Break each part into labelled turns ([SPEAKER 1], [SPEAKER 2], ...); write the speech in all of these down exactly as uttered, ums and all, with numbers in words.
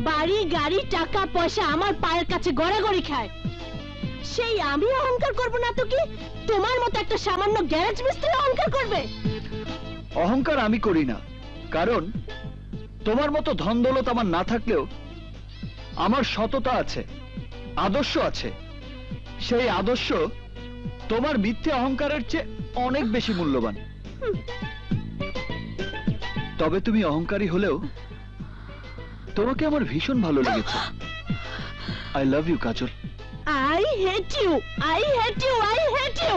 [SPEAKER 1] বাড়ি গাড়ি টাকা পয়সা আমার পায়ের কাছে গড়াগড়ি খায়, সেই আমি অহংকার করব না তো কি তোমার মতো একটা সামান্য গ্যারেজ মিস্ত্রি অহংকার করবে?
[SPEAKER 2] অহংকার আমি করি না, কারণ তোমার মতো ধন দৌলত আমার না থাকলেও আমার সততা আছে, আদর্শ আছে। সেই আদর্শ তোমার মিথ্যে অহংকারের চেয়ে অনেক বেশি মূল্যবান। তবে তুমি অহংকারী হলেও তোমাকে আমার ভীষণ ভালো লেগেছে। I love you Kajal.
[SPEAKER 1] I hate you, I hate you, I hate you.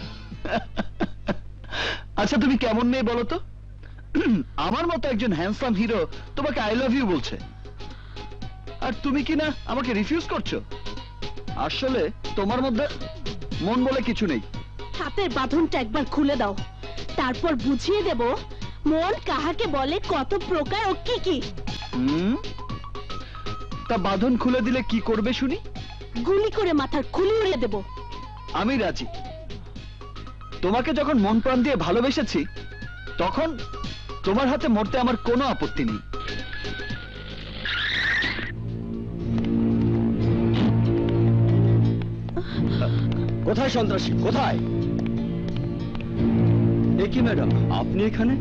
[SPEAKER 2] আচ্ছা তুমি কেমন মেয়ে বলো তো? আমার মতো একজন হ্যান্ডসাম হিরো তোমাকে আই লাভ ইউ বলছে, আর তুমি কি না আমাকে রিফিউজ করছো? আসলে তোমার মধ্যে মন বলে কিছু নেই।
[SPEAKER 1] হাতের বাঁধনটা একবার খুলে দাও, তারপর বুঝিয়ে দেব মন কাহাকে বলে, কত প্রকার ও কি কি।
[SPEAKER 2] হুম, তা বাঁধন খুলে দিলে কি করবে শুনি?
[SPEAKER 1] গুলি করে মাথার খুলি উড়িয়ে দেব।
[SPEAKER 2] আমি রাজি। তোমাকে যখন মন প্রাণ দিয়ে ভালোবেসেছি তখন তোমার হাতে মরতে আমার কোনো আপত্তি নেই।
[SPEAKER 3] কোথায় সন্ত্রাসী, কোথায়?
[SPEAKER 2] এ কি ম্যাডাম, আপনি এখানে?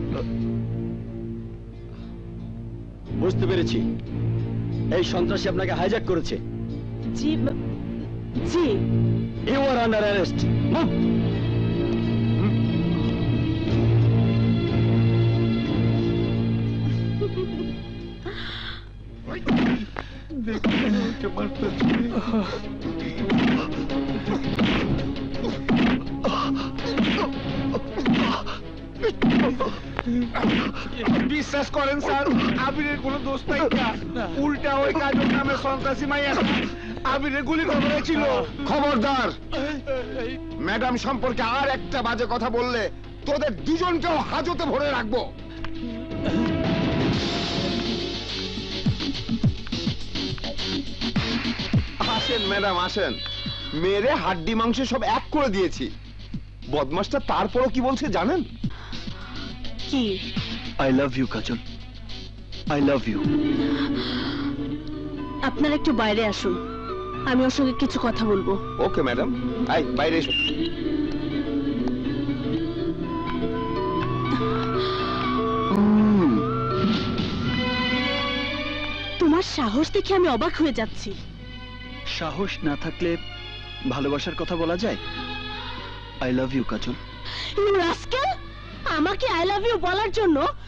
[SPEAKER 3] বুঝতে পেরেছি, এই সন্ত্রাসী আপনাকে হাইজ্যাক করেছে।
[SPEAKER 1] জি জি।
[SPEAKER 3] You are under arrest.
[SPEAKER 4] বিশ্বাস করেন স্যার, আবিরের কোনো দোষ নাই, উল্টা ওই কাজল নামে সন্ত্রাসী মাইয়া আবিরের গুলি করেছিল।
[SPEAKER 5] খবরদার, ম্যাডাম সম্পর্কে আর একটা বাজে কথা বললে তোদের দুজনকেও হাজতে ভরে রাখবো। আসেন ম্যাডাম আসেন, মেরে হাড্ডি মাংস সব এক করে দিয়েছি। বদমাসটা তারপরও কি বলছে জানেন?
[SPEAKER 1] কি?
[SPEAKER 2] I love you Kajal, I love you.
[SPEAKER 1] আপনারা একটু বাইরে আসুন, আমি ওর সঙ্গে কিছু কথা বলবো।
[SPEAKER 5] ওকে ম্যাডাম, আই বাইরে এসো।
[SPEAKER 1] তোমার সাহস দেখে আমি অবাক হয়ে যাচ্ছি।
[SPEAKER 2] সাহস না থাকলে ভালোবাসার কথা বলা যায়? I love you Kajal.
[SPEAKER 1] You rascal, আমাকে আই লাভ ইউ বলার জন্য